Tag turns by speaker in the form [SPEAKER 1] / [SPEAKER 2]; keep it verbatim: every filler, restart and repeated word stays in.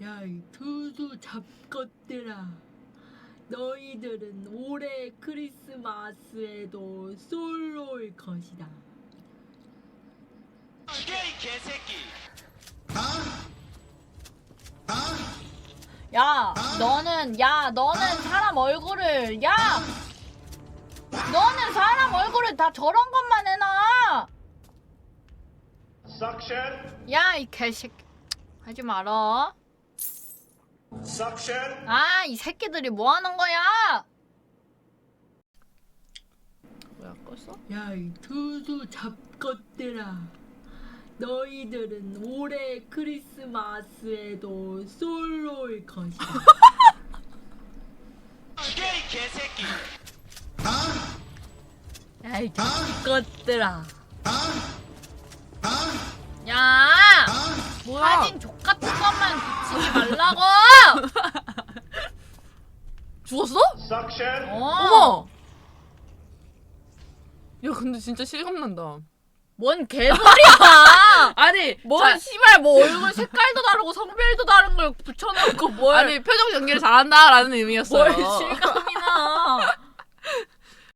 [SPEAKER 1] 야, 이 투수 잡것들아. 너희들은 올해 크리스마스에도 솔로일 것이다.
[SPEAKER 2] 이게 이 개새끼.
[SPEAKER 3] 야, 너는, 야, 너는 사람 얼굴을, 야! 너는 사람 얼굴을 다 저런 것만 해놔!
[SPEAKER 2] 석션.
[SPEAKER 3] 야, 이 개새끼. 하지 마라.
[SPEAKER 2] 석션.
[SPEAKER 3] 아, 이 새끼들이 뭐 하는 거야? 뭐야, 껐어?
[SPEAKER 1] 야, 이 투수 잡것들아. 너희들은 올해 크리스마스에도 솔로일 것이다.
[SPEAKER 2] 이게 이 개새끼.
[SPEAKER 3] 야, 이 X것들아. 야!
[SPEAKER 4] 뭐야?
[SPEAKER 3] 사진 족같은 것만 붙이지 말라고!
[SPEAKER 4] 죽었어?
[SPEAKER 2] 석션.
[SPEAKER 3] 어.
[SPEAKER 4] 어머! 야 근데 진짜 실감난다.
[SPEAKER 3] 뭔 개소리야!
[SPEAKER 4] 아니
[SPEAKER 3] 뭔
[SPEAKER 4] 자,
[SPEAKER 3] 씨발 뭐 얼굴 색깔도 다르고 성별도 다른 걸 붙여놓고 뭘
[SPEAKER 4] 아니 표정 연기를 잘한다라는 의미였어요.
[SPEAKER 3] 뭘 실감이나.